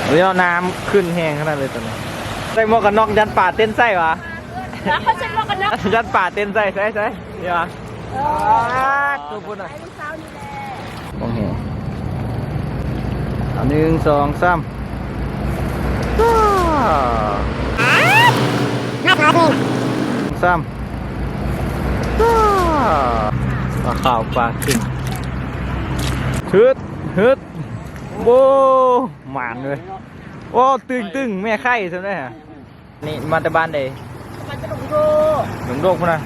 เรียกน้ำขึ้นแห้งขนาดเลยตอนนี้ใส่หมวกกันน็อกยันป่าเต้นไส้วะแล้วเขาใช้หมวกกันน็อกยันป่าเต้นไส้ใช่นี่วะตัวปุ่นอ่ะมองเห็น1 2 3ปลาขาวปลาขึ้นฮึดโบ้หมานเลยโอ้ตึงแม่ไข่ใช่ไหมฮะนี่มาแต่บ้านใดมันจะหลงโดพุ่นนะ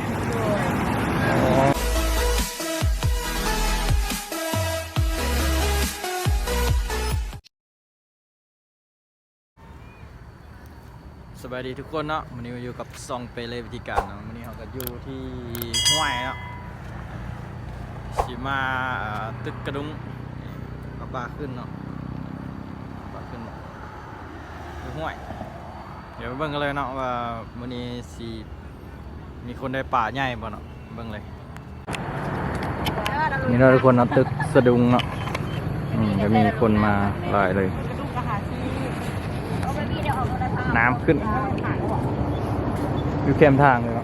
สวัสดีทุกคนเนาะวันนี้มาอยู่กับซองเปเล่วิธีการเนาะวันนี้เราก็อยู่ที่ห้วยเนาะชิมาตึกกระดุงปลาขึ้นเนาะปลาขึ้นห้วยเดี๋ยวเบิ่งกันเลยเนาะว่าวันนี้สิมีคนได้ป่าใหญ่บ่เนาะเบิ่งเลยนี่เราทุกคนเนาะตึกสะดุงเนาะจะมีคนมาหลายเลยน้ำขึ้นอยู่แคมทางเลยเนาะ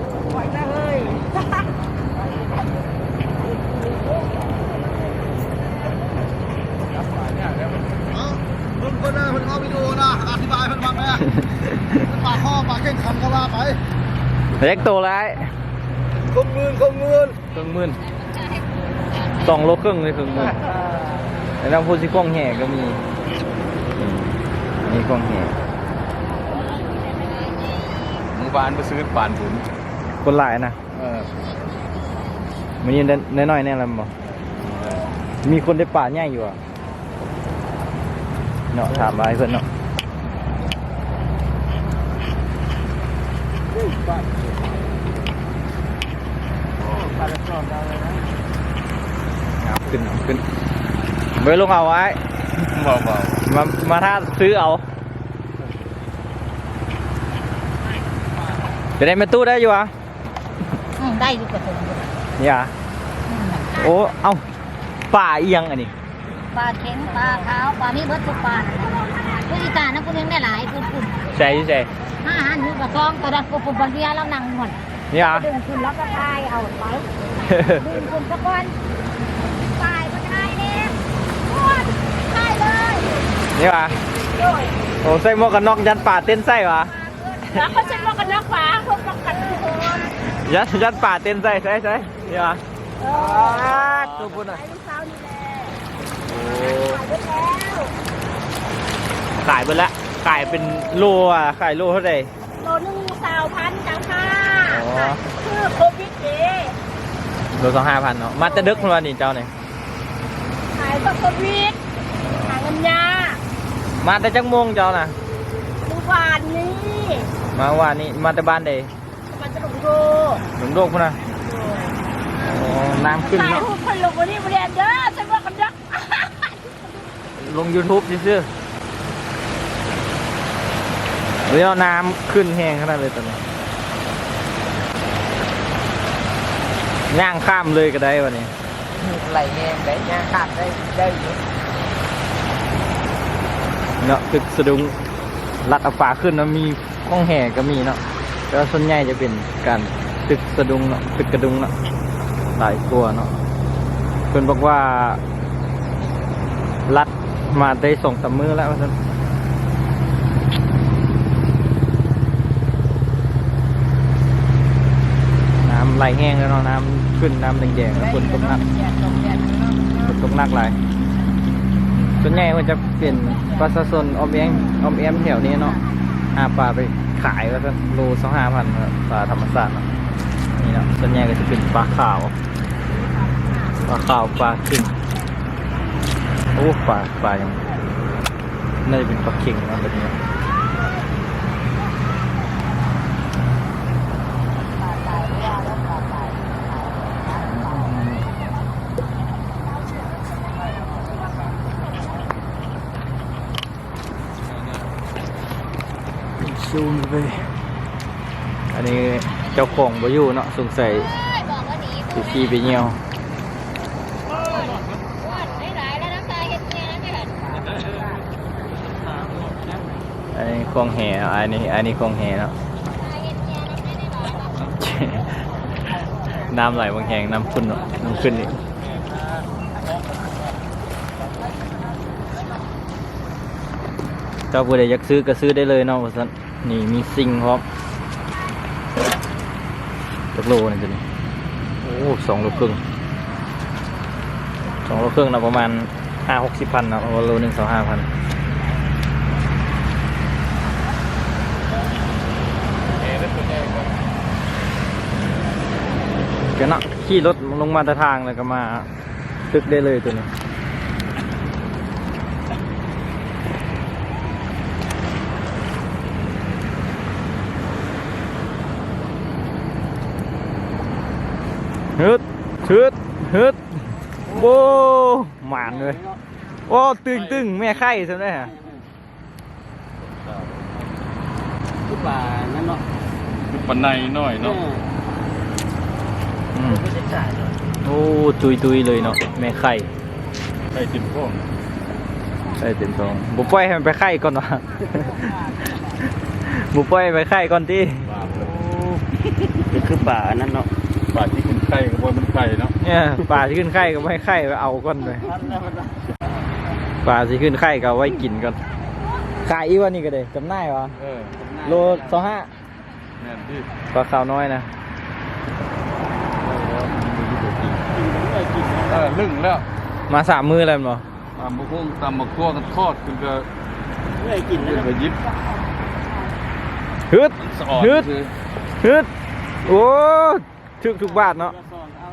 เพิ่นเอาไปดูนะอธิบายเพิ่นฟังแม่ปากข้อปากเข่งคำก็ว่าไปเล็กโตไรคงมื่น 2 โลครึ่งเลยครึ่งหมื่นแล้วพูดสิกล้องแห่ก็มีกล้องแห่หมู่บ้านไปซื้อปานบุญคนหลายนะมันยืนน้อยๆแน่ละมั้งมีคนได้ป่าใหญ่อยู่อ่ะเนาะถามไปเพื่อนเนาะขึ้นไว้ลงเอาไว้มาถ้าซื้อเอาจะได้มาตู้ได้อยู่อ่ะได้อยู่กับผมนี่อ่ะโอ้เอ้าป่าเอียงอันนี้ปลาเข็งปลาขาวปลามีเบิร์ดทุกปลาผู้อีสานนะผู้เลี้ยงได้หลายคุณใช่อาหารอยู่กับซองกระดับปุ๊บบางทีเรานั่งหมดนี่อ่ะดึงคุณแล้วก็ทายเอาไปดึงคุณสักวันตายก็ทายเนี่ยทายเลยนี่อ่ะโอ้ใส่หมวกกันน็อกยันป่าเต้นไส้วะแล้วเขาใช้หมวกกันน็อกฟ้าพวกป้องกันทุกคนยันป่าเต้นไส้ใช่นี่อ่ะตัวปุ่นอ่ะขายไปแล้วขายเป็นโลอ่ะขายโลเท่าไหร่โลนึง1,000จังค่ะคือโควิดโล2,500เนาะมาจะดึกคนวันนี้เจ้าเนี่ยขายโควิดขายเงินยามาแต่จังมงเจ้าน่ะเมื่อวานนี้มาแต่บ้านใดมันจะหลงโดพุ่นนะน้ำขึ้นเนาะคนลงวันนี้มาเรียนเยอะฉันว่ากันเยอะลง YouTube ซื่อเรียกน้ำขึ้นแห้งขนาดเลยตอนนี้ย่างข้ามเลยก็ได้วันนี้ไหลแห้งได้ย่างข้ามได้เนาะตึกสะดุงลัดเอาฝาขึ้นแล้วมีข้องแห่ก็มีเนาะแต่ส่วนใหญ่จะเป็นการตึกสะดุงเนาะตึกกระดุงเนาะหลายตัวเนาะเพื่อนบอกว่าลัดมาได้2-3 มื้อแล้วท่านน้ำไหลแห้งแล้วเนาะน้ำขึ้นน้ำแดงๆแล้วฝนตกหนักหลายส่วนใหญ่มันจะเป็นปลาสะสนออมแอมแถวนี้เนาะหาปลาไปขายก็จะโล2-5,000ปลาธรรมชาติเนาะนี่เนาะส่วนใหญ่ก็จะเป็นปลาขาวปลาขึ้นโอ้ปลายังน่าจะเป็นปลาเข็งนะแบบนี้ซูมไปอันนี้เจ้าของบ่อยู่เนาะสงสัยขี่ไปเหี่ยวอันนี้คลองแห่อันนี้คลองแห่เนาะ น้ำไหลบางแห่งน้ำขึ้นเนาะน้ำขึ้นอีกเจ้าผู้ใดอยากซื้อก็ซื้อได้เลยเนาะว่าซั่นนี่มีซิงพร้อมจักโลนี่จ้ะนี่โอ้2 โลครึ่ง2 โลครึ่งนะประมาณ50-60 พันเนาะโลนึง25,000ก็เนาะขี่รถลงมาแต่ทางแล้วก็มาตึกได้เลยตัวนี้ฮึดโอ้หมานเลยโอ้ตึงแม่ไข่ใช่ไหมฮะคือป่านั่นเนาะปันในหน่อยเนาะไม่ได้จ่ายเลยโอ้ตุยเลยเนาะแม่ไข่ไข่ติ่มพ่วงไข่เต็มท้องบุปล่อยให้มันไปไข่ก่อนวะ บุปล่อยไปไข่ก่อนที่บาปเลยคือป่านั่นเนาะบาปที่คุณไข่ก็ว่ามันไข่เนาะเนี่ยป่าที่ขึ้นไข่ก็ไม่ให้ไข่ไปเอาก่อนเลยป่าที่ขึ้นไข่ก็เอาไว้กินก่อนขายอีกวันนี้ก็ได้จำได้ปะโล25 แน่นที่ปลาขาวน้อยนะลึ่งแล้วมา3 มื้อแล้วมั้งตามมะม่วงตามมะกรัวกันทอดคุณก็ไม่กินขึ้นนะไปยิบฮึดสะออนฮึดคือฮึดโอ้ทุกบาทเนาะ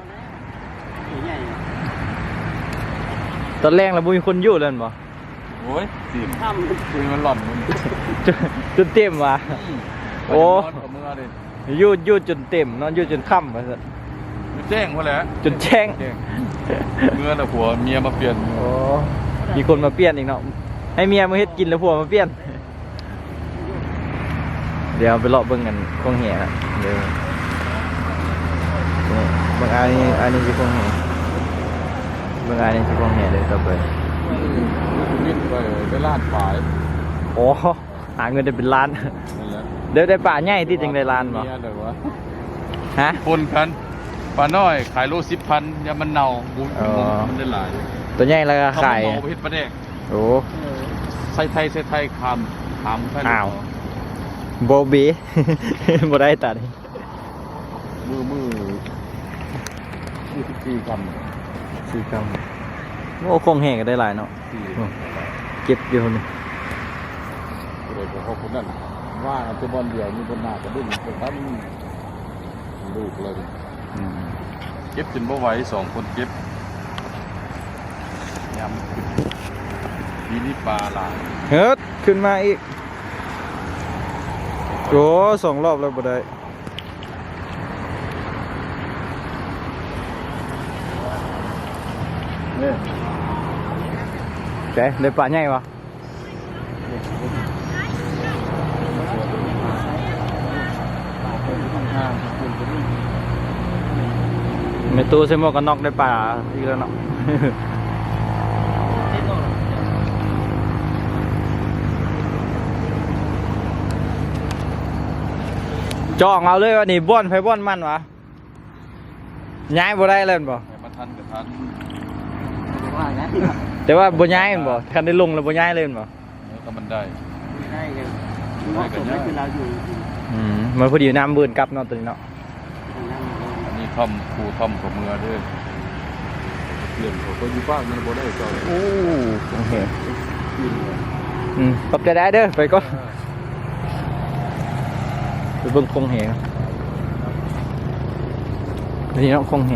ตอนแรกเราบุมีคนอยู่แล้วมั้งโอ้ยสิมคุยมันหล่อนมันจนเต็มว่ะ โอ้เมื่อเลยอยู่จนเต็มนอนอยู่จนค่ำไปซะแจ้งเขาแหละจนแช่งเมื่อแต่ผัวเมียมาเปลี่ยนโอ้มีคนมาเปลี่ยนอีกเนาะให้เมียมาเฮ็ดกินแล้วผัวมาเปลี่ยน เดี๋ยวไปเลาะเบิ่งกันคงแห่นะเดี๋ยวนี่บางอันนี้สิคงแห่บางอันนี้สิคงแห่เลยต่อไปวิ่งไปลาดฝ่ายโอ้หาเงินได้เป็นล้านนั่นแหละเดี๋ยวได้ป่าใหญ่ที่จังได้ล้านบ่เมียเลยวะฮะคนกันปลาน้อยขายโล10,000ยามันเน่าบุญอ๋อมันได้หลายตัวใหญ่แล้วก็เขาขายมาเอาไปเฮ็ดปลาแดกโอ้ใส่ไทยคำไทยอ้าว โบบี บ่ได้ตัดมือ14คำ 4 กรัมโอ้คงแห่ก็ได้หลายเนาะ เก็บอยู่นี่เลยเพราะคนนั้นว่าจะบอลเดียวมีบนหน้ากระดุมคนนั้นลูกเลยอืมเก็บจนบ่ไหว2 คนเก็บยำขึ้นปีนี้ปลาหลายเฮ็ดขึ้นมาอีกโอ้2 รอบแล้วบ่ได้เนี่ยได้ปลาใหญ่ปะไม่ตู้ใส่หมวกกันน็อกได้ปลาอีกแล้วเนาะ จองเอาเลยว่านี่บ้อนไฟบ้อนมันวะย้ายบ่ได้เลยบ่ให้มาทันกับทันว่านะแต่ว่าบ่ย้ายบ่คันได้ลงแล้วบ่ย้ายเลยบ่แล้วก็มันได้ได้เลยเหมาะสมคือเราอยู่มันพอดีน้ำเบิ่นกลับเนาะตัวนี้เนาะอันนี้ท่อมครูท่อมกับมือเด้อเรื่องของคนอยู่บ้านมันบ่ได้เจ้าเลยโอ้โอเคขอบใจได้เด้อไปก่อนไปเบิ่งคงแหงนี่เนาะคงแห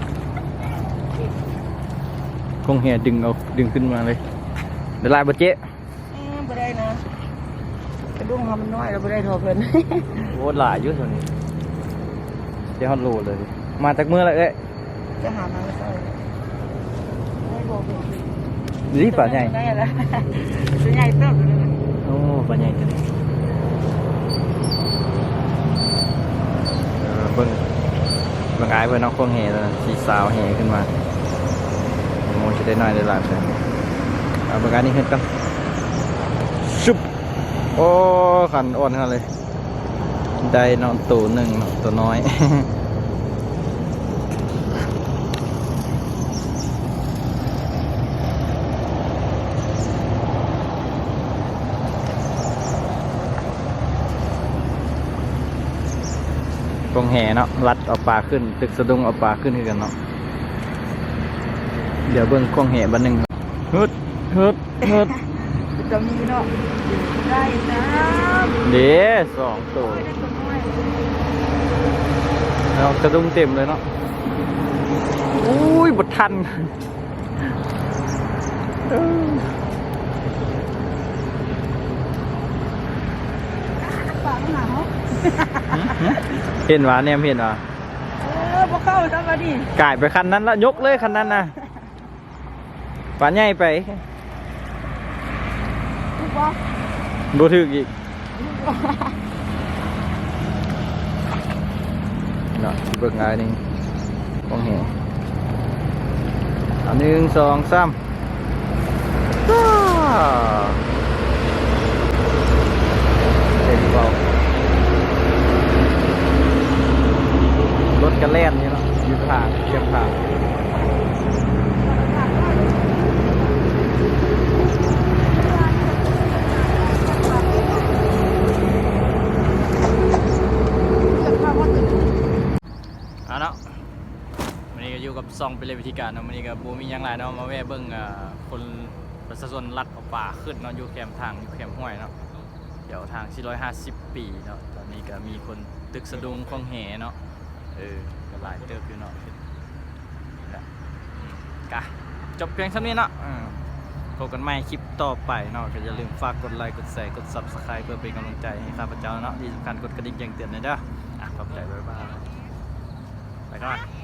ดึงขึ้นมาเลยเดี๋ยวลายบ่เจ๊ไม่ได้นะกระดุมมันน้อยเราไม่ได้ทอเพิ่นโอ้หลายอยู่ตัวนี้เดี๋ยวฮอดโลเลยมาจากเมื่อแล้วเอ้ยจะหามาไม่ใช่ไม่บอกนี่ปลาใหญ่ได้แล้วใหญ่เติบเลยโอ้ปลาใหญ่ตัวนี้เบิ่งอายเพิ่นเอาคงแหแล้วสีสาวแหขึ้นมาโมจะได้น้อยได้หลายเลยเอาเบิ่งอันนี้ขึ้นกันชุบโอ้ขันอ่อนกันเลยได้นอนตัวหนึ่งเนาะตัวน้อย กองแห่เนาะรัดเอาปลาขึ้น ตึกสะดุ้งเอาปลาขึ้นคือกันเนาะเดี๋ยวเบิ่งกองแห่บันหนึ่งฮึดฮึดฮึดจะมีเนาะได้นะเดี๋ยวสองตัวเราสะดุ้งเต็มเลยเนาะอุ้ยบดทันปากหนาวเห็นวะเนี่ยเห็นวะพอเข้าทำมาดิกายไปคันนั้นละยกเลยคันนั้นนะปลาใหญ่ไปถูกปะดูถึกอีกเนาะเบิ่งไงนี่กองแห่อันหนึ่งสองสามเต็มเบารถกระแล่นนี่เนาะอยู่ทางเทียมทางเอาเนาะวันนี้ก็อยู่กับซองเป็นเลยวิธีการเนาะวันนี้ก็บูมีหยังไรเนาะมาแวะเบิ่งคนประชาชนรัดเอาป่าขึ้นเนาะอยู่แคมป์ทางอยู่แคมป์ห้วยเนาะเดี๋ยวทาง450 ปีเนาะตอนนี้ก็มีคนตึกสะดุงคลองแหเนาะก็หลายเติบอยู่เนาะนี่แหละกะจบเพียงเท่านี้เนาะพบกันใหม่คลิปต่อไปเนาะก็อย่าลืมฝากกดไลค์กดแชร์กด Subscribe เพื่อเป็นกำลังใจให้ข้าพเจ้าเนาะที่สำคัญกดกระดิ่งแจ้งเตือนด้วยเด้อขอบใจบ๊ายบายไปก่อน